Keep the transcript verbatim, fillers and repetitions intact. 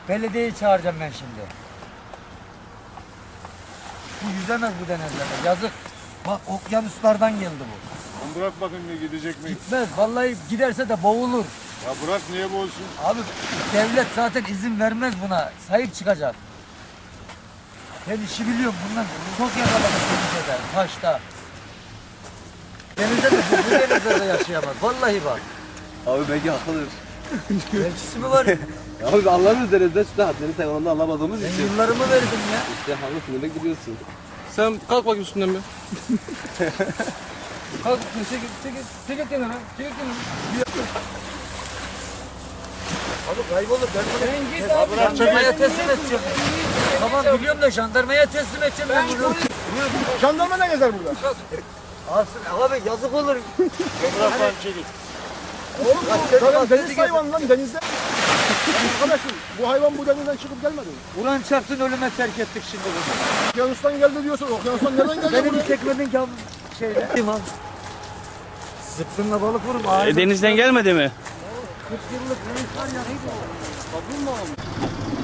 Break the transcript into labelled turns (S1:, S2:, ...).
S1: Belediyeyi çağıracağım ben şimdi. Bu yüzemez bu denizlerde. Yazık. Bak okyanuslardan geldi bu.
S2: Lan bırak bakın ne gidecek mi?
S1: Gitmez. Vallahi giderse de boğulur.
S2: Ya bırak niye boğulsun?
S1: Abi devlet zaten izin vermez buna. Sahip çıkacak. Ben işi biliyorum bundan. Çok yakaladım denizde, taşta. Denizde de bu, bu denizde de yaşayamaz. Vallahi bak.
S3: Abi belki haklıdır.
S1: Belçisi mi var?
S3: Ya abi anlamıyoruz denizde işte hadlerini sen onu anlamadığımız
S1: Ben
S3: için.
S1: yıllarımı verdim ya.
S3: İşte haklısın demek gidiyorsun.
S4: Sen kalk bakayım üstünden bir. Kalk, çekil, çekil, çekil kenara, çekil kenara.
S1: Abi kaybolur. Ben bunu
S4: Sen git
S1: Ya
S4: abi,
S1: jandarmaya
S4: sen
S1: teslim
S4: git.
S1: edeceğim. Tamam biliyorum da jandarmaya teslim edeceğim ben bunu.
S2: Jandarma ne gezer burada?
S1: Alsın abi yazık olur.
S2: Bırak lan çekil. Oğlum
S1: dedim,
S2: bu
S1: bak,
S2: deniz
S1: dedi
S2: hayvan lan denizde. Arkadaşım bu hayvan bu denizden çıkıp gelmedi mi?
S1: Ulan çarptın ölüme terk ettik şimdi bunu.
S2: Okyanustan geldi diyorsun. Okyanustan nereden geldi
S1: Benim
S2: buraya?
S1: çekmedin ki abi şeyle. Tamam. Zıpkınla balık vurup ağzına.
S4: E, denizden gelmedi mi?
S1: kırk yıllık reis var ya neydi o? Kabul mu olmuş?